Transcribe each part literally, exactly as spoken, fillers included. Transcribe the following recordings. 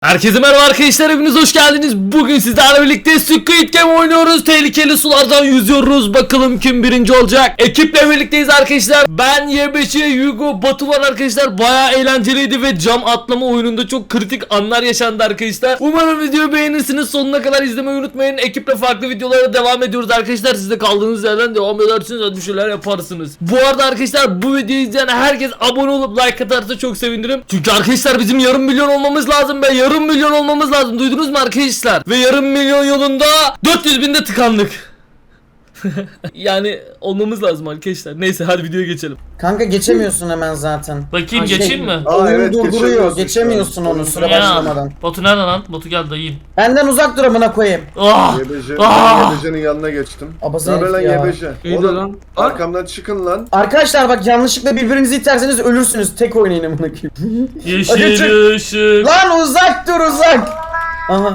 Herkese merhaba arkadaşlar, hepiniz hoş geldiniz. Bugün sizlerle birlikte Squid Game oynuyoruz. Tehlikeli sulardan yüzüyoruz. Bakalım kim birinci olacak. Ekiple birlikteyiz arkadaşlar. Ben, Y beş, Hugo, Batu var arkadaşlar. Bayağı eğlenceliydi ve cam atlama oyununda çok kritik anlar yaşandı arkadaşlar. Umarım videoyu beğenirsiniz. Sonuna kadar izlemeyi unutmayın. Ekiple farklı videolara devam ediyoruz arkadaşlar. Siz de kaldığınız yerden devam edersiniz. Hadi bir şeyler yaparsınız. Bu arada arkadaşlar, bu videoyu izleyen herkes abone olup like atarsa çok sevinirim. Çünkü arkadaşlar bizim yarım milyon olmamız lazım be. Yarım milyon olmamız lazım. Duydunuz mu arkadaşlar? Ve yarım milyon yolunda dört yüz binde tıkandık. Yani olmamız lazım arkadaşlar. Neyse hadi videoya geçelim. Kanka geçemiyorsun hemen zaten. Bakayım Şey, geçeyim mi? Oyun Aa, evet, durduruyor. geçemiyorsun Geçemiyorsun şu an. onu sıra Ya. başlamadan. Batu nereden lan? Batu gel dayıyım. Benden uzak dur amına koyayım. Ah! Yebece, Ah! Yebece'nin yanına geçtim. Abası Ne haber lan herif ya. Yebece? İyi de Oğlum lan. arkamdan çıkın lan. Arkadaşlar bak, yanlışlıkla birbirinizi iterseniz ölürsünüz. Tek oynayın amına koyayım. Yeşil ışık. Lan uzak dur uzak. Aha.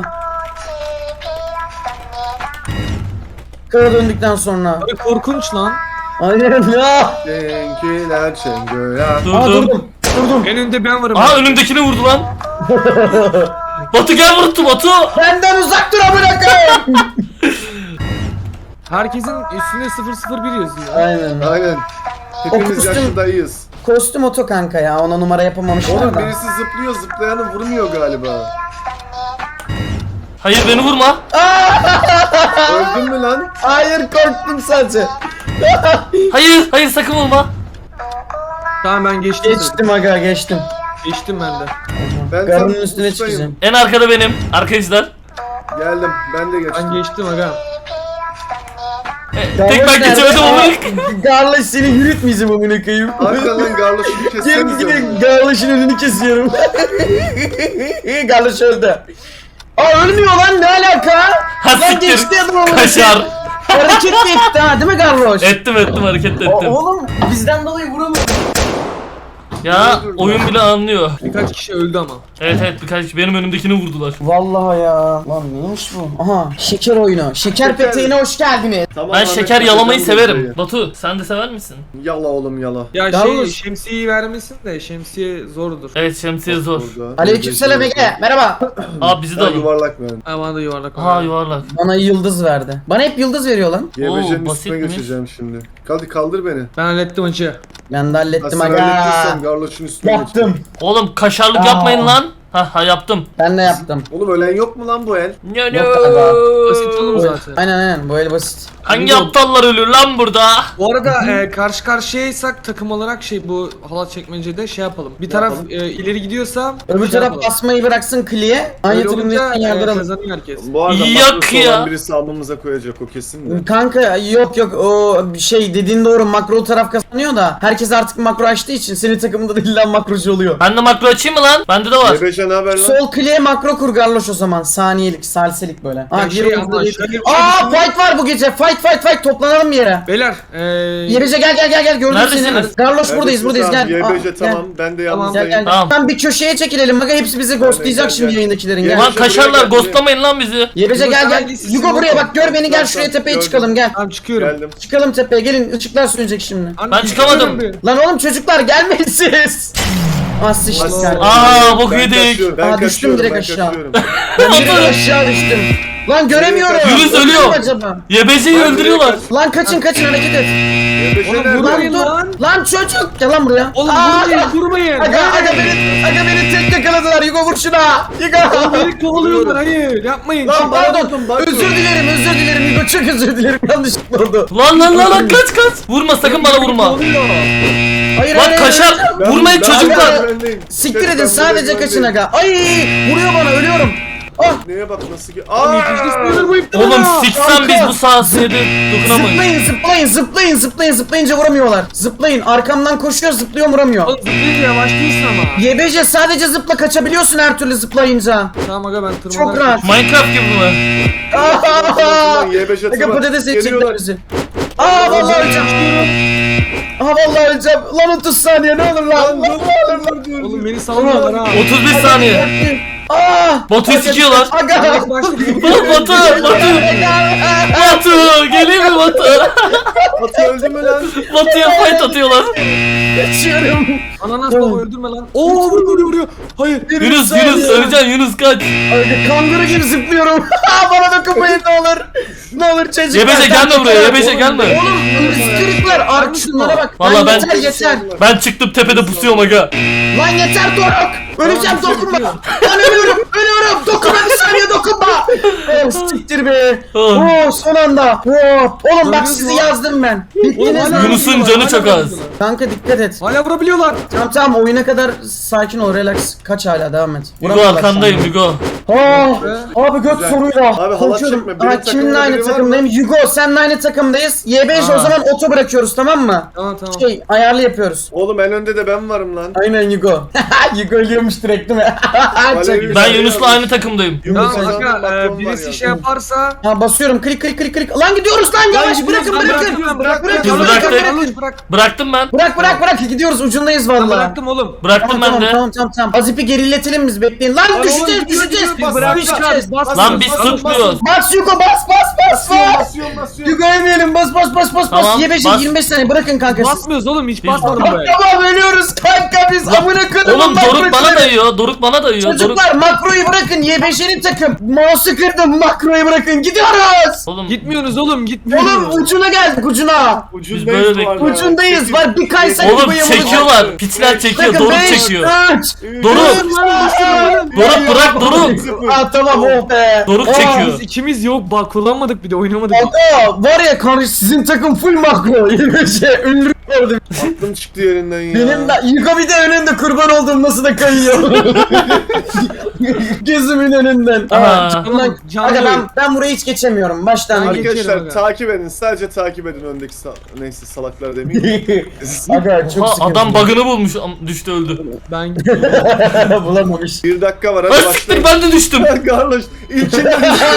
Kara döndükten sonra. Abi korkunç lan. Aynen ya. Denkiler çengö ya. Aa Durdum. durdum. Durdum. En önde ben varım. Aha önümdekini vurdu lan. Batu gel vurdu Batu. Benden uzak dur amına koyayım. Herkesin üstünde sıfır sıfır bir yazıyor. Aynen. Aynen. Hepimiz kostüm- yaşındayız. Kostüm oto kanka ya. Ona numara yapamamışlar Oğlum da. birisi zıplıyor, zıplayanı vurmuyor galiba. Hayır beni vurma. Öldün mü lan? Hayır, korktum sadece. Hayır hayır sakın vurma. Tamam ben geçtim. Geçtim aga, geçtim. Geçtim ben de. Ben Garının tam üstüne ustayım. çıkacağım. En arkada benim arkadaşlar. Geldim, ben de geçtim. Ben geçtim aga. E, tek ben geçemedim ama. Garloş seni yürütmeyeceğim amına koyayım. Arkadan garloşunu Gelin kessenize. gelin, Garloş'un önünü kesiyorum. Garloş öldü. Aa ölmüyor lan, ne alaka? Ha, Lan siktir. geçti adam amına Kaşar. koyayım. Hareket de etti ha, değil mi Garloş? Ettim ettim hareket ettim. O- Oğlum bizden dolayı vuramıyor. Ya oyun bile anlıyor. Birkaç kişi öldü ama. Evet evet birkaç kişi benim önümdekini vurdular. Vallahi ya. Lan neymiş bu? Aha, şeker oyunu. Şeker, Şeker. peteğine hoş geldiniz. Tamam, Ben Ahmet, şeker ben yalamayı şeker severim. burayı. Batu sen de sever misin? Yala oğlum yala. Ya Yalnız- şey şemsiyeyi vermesin de şemsiye zordur. Evet şemsiye zor. Burada. Aleykümselam Ege. Merhaba. Aa bizi de Ben alın. yuvarlak ben. Ha bana da yuvarlak. Ha yuvarlak. Bana yıldız verdi. Bana hep yıldız veriyor lan. Yebece'nin basit üstüne mi? geçeceğim şimdi. Hadi kaldır beni. Ben hallettim acı. Ben de hallettim Nasıl aga. hallettiysem garloşun üstüne Yaptım. geçeceğim. Oğlum kaşarlık Aa. yapmayın lan. Ha ha yaptım. Ben de yaptım. Oğlum ölen yok mu lan bu el? No, Yok galiba. Basit oğlum zaten. Aynen aynen, bu el basit. Hangi aptallar ölür lan burada? Bu arada e, karşı karşıyaysak takım olarak şey bu halat çekmecede şey yapalım. Bir taraf Yapalım. e, ileri gidiyorsa Öbür şey taraf yapalım. basmayı bıraksın kliye. Aynı Öyle olunca takımdan e, yardıralım. kazanıyor herkes. Bu arada Yok makrosu ya. olan birisi alnımıza koyacak o kesin de. Kanka yok yok, o şey dediğin doğru, makro taraf kazanıyor da herkes artık makro açtığı için senin takımında da illa makrocu oluyor. Ben de makro açayım mı lan? Bende de var. Yebece ne haber lan? Sol kliye makro kur Garloş o zaman, saniyelik salselik böyle. Aa, Ya bir şey oyunda ama değil. şöyle bir şey Aa düşünün. fight var bu gece, fight fight fight, toplanalım bir yere. Beyler e, Yebece gel gel gel gel, gördüm Neredesiniz? seni. Garloş buradayız Neredesin buradayız sen? gel. Yebece Aa, tamam, ben de Tamam. yalnızdayım. Gel gel. Tamam. Tamam bir köşeye çekilelim. Bak hepsi bizi ghostlayacak gel, şimdi gel. yayındakilerin. Gel. Gel. Lan Yebece buraya kaşarlar gel, ghostlamayın lan bizi. Yebece gel gel. Yugo, Yugo buraya bak, gör beni, gel Tamam, şuraya tamam, tepeye gördüm. çıkalım gel. Tamam çıkıyorum. Geldim. Çıkalım tepeye, gelin, ışıklar sönecek şimdi. Anne, Ben çıkamadım. çıkıyorum. Lan oğlum çocuklar gelmeyin siz. Ah sıçtık Aslan. kardeşim. Aa bok Ben yedik. kaçıyorum, ben Aa, düştüm kaçıyorum, direkt ben aşağı. kaçıyorum. Ben direkt aşağı düştüm. Lan göremiyorum. Yunus Öldüm ölüyor. acaba? Yebeceyi Ben öldürüyorlar. direkt Lan kaçın kaçın, hareket et. Yebece Oğlum, nerede? bu Lan Vurmayın dur. lan. Lan çocuk. Gel lan buraya. Oğlum Aa! vurmayın vurmayın. Aga, aga beni, aga beni tek yakaladılar. Yugo vur şuna. Yugo. Beni kovalıyorlar hayır yapmayın. Lan Lan bana pardon. bakın, bakın. Özür dilerim, özür dilerim. Yugo çok özür dilerim. Yanlışlıkla oldu. Lan lan lan lan kaç kaç. Vurma sakın bana vurma. Kovalıyor. Hayır Lan hayır, kaşar hayır. Ben- vurmayın ben- çocuklar. ben öndeyim. Siktir Ben edin, buradayım, sadece ben kaçın öndeyim. aga. Ay vuruyor bana, ölüyorum. Ah. Neye bak nasıl ki? Oğlum Aa! yetişti bu iptal. Oğlum siksen kanka. biz bu sahasıydı. Dokunamayız. Zıplayın zıplayın zıplayın zıplayın, zıplayınca vuramıyorlar. Zıplayın, arkamdan koşuyor, zıplıyor, vuramıyor. Oğlum zıplayınca yavaş değilsin ama. Y B C sadece zıpla, kaçabiliyorsun her türlü zıplayınca. Tamam aga ben tırmanarak. Çok rahat. Minecraft gibi mi? Lan Y B C Aga tırman. patates edecekler Geliyorlar. bizi. Aa vallahi öleceğim. Aa vallahi öleceğim. Lan otuz saniye ne olur lan. Lan ne olur lan. Oğlum beni sallıyorlar ha. otuz bir saniye. Aa Batu'yu sikiyorlar. Aga. Bak, başladı. Batu, Batu, Batu, geleyim mi Batu? Batu öldü mü lan? Batu'ya fight atıyorlar. Geçiyorum. Ananas baba öldürme lan. Oo vuruyor vuruyor vuruyor. Hayır. Yunus, Yunus, öleceksin Yunus kaç. Aga kanguru gibi zıplıyorum. Bana dokunmayın ne olur. Ne olur çocuklar. Yebeşe gelme buraya, Yebeşe gelme. Oğlum ırkçılıklar artık şunlara bak. Vallahi Lan ben- yeter yeter. Ben çıktım tepede pusuyorum aga. Lan yeter Doruk. Öleceğim Tamam, dokunma. bitiyor. Lan ölüyorum ölüyorum. Dokunma bir saniye dokunma. Oh siktir be. Oh. Oh son anda. Oh. Oğlum bak Gördünüz sizi mü? yazdım ben. Oğlum, Bittiniz hala lan. Yunus'un vurabiliyorlar, canı hala çok az. vurabiliyorlar. Kanka dikkat et. Hala vurabiliyorlar. Tamam tamam oyuna kadar sakin ol relax. Kaç hala devam et. Hugo Vuramıyorlar arkandayım şu Hugo. an. Oh. Abi göt Güzel. soruyla. Abi halat Konuşuyorum. çekme, benim Aa, kiminle takımda aynı biri var takımdayım? Hugo seninle aynı takımdayız. Y beş Aa. o zaman oto bırakıyoruz tamam mı? Tamam tamam. Şey ayarlı yapıyoruz. Oğlum en önde de ben varım lan. Aynen Hugo. Hugo yiyormuş direkt değil mi? Çok Alev- güzel. Ben Yunus'la aynı takımdayım. Yunus Tamam Emre'nin aga e, Macron var birisi ya. şey yaparsa. Ha basıyorum klik klik klik klik. Lan gidiyoruz lan yavaş gidiyoruz, bırakın ben bırakın. bırakıyorum, Bırak bırak Biz bırak bıraktık. bırak. Bırak bırak. Bıraktım ben. Bırak bırak bırak gidiyoruz ucundayız Ben vallahi. bıraktım oğlum. Bıraktım Tamam ben tamam de. tamam tamam tamam. Azip'i geriletelim biz bekleyin. Lan oğlum, düşeceğiz gidiyor, düşeceğiz. gidiyor, Biz bıraktık Düşeceğiz. abi. Bas. Lan biz bas, tutmuyoruz. Bas Hugo bas bas bas Basıyorum bas. basıyorum basıyorum. Hugo yemeyelim bas bas bas bas bas. Tamam, Y beşe bas. yirmi beş saniye bırakın kanka siz. Basmıyoruz oğlum hiç Hiç basmadım Tamam be. tamam ölüyoruz kanka biz amına koyduğum Oğlum Doruk bana makroları. dayıyor. Doruk bana dayıyor. Doruk. Çocuklar makroyu bırakın Y beş'in takım. Mouse'u kırdım makroyu bırakın gidiyoruz. Oğlum Gitmiyorsunuz oğlum gitmiyoruz. Oğlum ucuna geldik ucuna. Biz böyle Ucundayız bu arada. Ucundayız, var bir kaysak Oğlum gibi yamulacak. çekiyorlar. Piçler çekiyor. Bakın Doruk beş, çekiyor. üç. Doruk. Doruk Doruk bırak Doruk. Aa tamam oh be. Doruk Aa, çekiyor. Biz ikimiz yok bak kullanmadık bir de oynamadık. Aga var ya kardeş sizin takım full makro. Yine şey ünlü gördüm. Aklım çıktı yerinden ya. Benim de Yugo bir de önünde kurban olduğum nasıl da kayıyor. Gözümün önünden. Aha. Aa, canım, Canlı. aga ben, ben burayı hiç geçemiyorum baştan. Ben geç. Arkadaşlar Geçerim aga. takip edin. Sadece takip edin öndeki sal neyse salaklar demeyeyim. Aga çok Ha, sıkıntı. adam bug'ını bulmuş. Am- Düştü öldü. Ben bulamamış. Bir dakika var Ay hadi siktir başlayın. ben de düştüm. Garloş ilkinde düştü.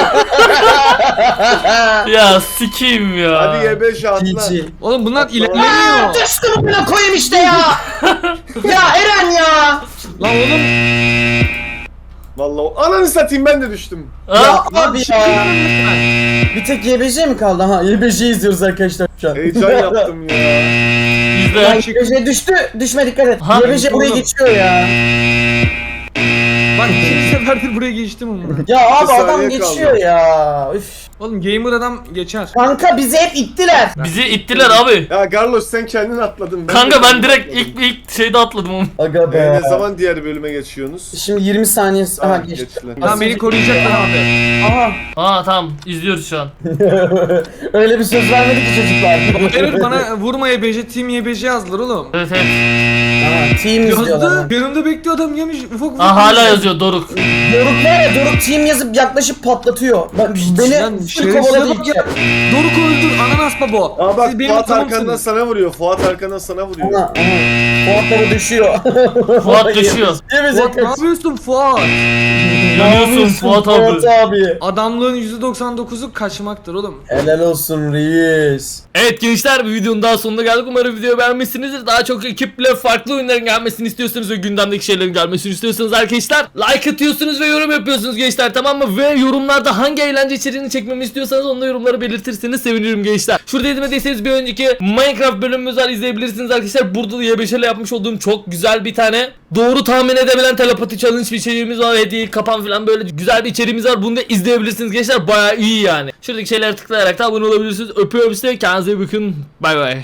Ya sikeyim ya. Hadi Y beş atla. G G. Oğlum bunlar Aa, ilerlemiyor. düştüm buna koyayım işte ya. Ya Eren ya. Lan oğlum Vallahi o- ananı satayım ben de düştüm. Ha? Ya abi ya. Bir tek Y B J mi kaldı? Ha Y B J izliyoruz arkadaşlar şu an. Heyecan yaptım ya. Ya İzle. Y B J düştü. Düşme dikkat et. Ha, Y B J buraya oğlum. geçiyor ya. bak ikinci seferdir buraya geçtim ama. Ya abi Bir saniye adam geçiyor kaldı. ya. Üf. Oğlum gamer adam geçer. Kanka bizi hep ittiler. Bizi ittiler abi. Ya Garloş sen kendin atladın. Kanka de ben kendim direkt atladım. ilk ilk şeyde atladım oğlum. Aga be. Ee, ne zaman diğer bölüme geçiyorsunuz? Şimdi yirmi saniye. Aha Tamam, geçti. geçtiler. Lan beni koruyacaklar abi. Aha. Aa tamam izliyoruz şu an. Öyle bir söz vermedi ki çocuklar. Hayır bana vurma Y B C team Y B C yazdılar oğlum. Evet evet. Aha, team izliyorlar. Yazdı. Yanımda bekliyor adam yemiş ufak ufak. Aa hala yazıyor Doruk. Doruk var ya Doruk team yazıp yaklaşıp patlatıyor. Bak Lan beni full şerefsize kovaladı bak iki. ya. Doruk öldür ananas baba. Aa bak Siz benim Fuat tamamsınız. arkandan sana vuruyor. Fuat arkandan sana vuruyor. Aha, aha. Fuat baba düşüyor. Fuat düşüyor. Yemeyecek Fuat ne yapıyorsun Fuat? Yanıyorsun Fuat abi. Fuat abi. Adamlığın yüzde doksan dokuzu kaçmaktır oğlum. Helal olsun reis. Evet gençler bir videonun daha sonuna geldik. Umarım videoyu beğenmişsinizdir. Daha çok ekiple farklı oyunların gelmesini istiyorsanız ve gündemdeki şeylerin gelmesini istiyorsanız arkadaşlar like atıyorsunuz ve yorum yapıyorsunuz gençler, tamam mı? Ve yorumlarda hangi eğlence içeriğini çekmemi istiyorsanız onu da yorumlara belirtirseniz sevinirim gençler. Şurada izlemediyseniz bir önceki Minecraft bölümümüz var, izleyebilirsiniz arkadaşlar. Burada da Y beş ile yapmış olduğum çok güzel bir tane doğru tahmin edebilen telepati challenge bir şeyimiz var. Hediye kapan falan böyle güzel bir içeriğimiz var. Bunu da izleyebilirsiniz gençler. Bayağı iyi yani. Şuradaki şeylere tıklayarak da abone olabilirsiniz. Öpüyorum size. Kendinize iyi bakın. Bay bay.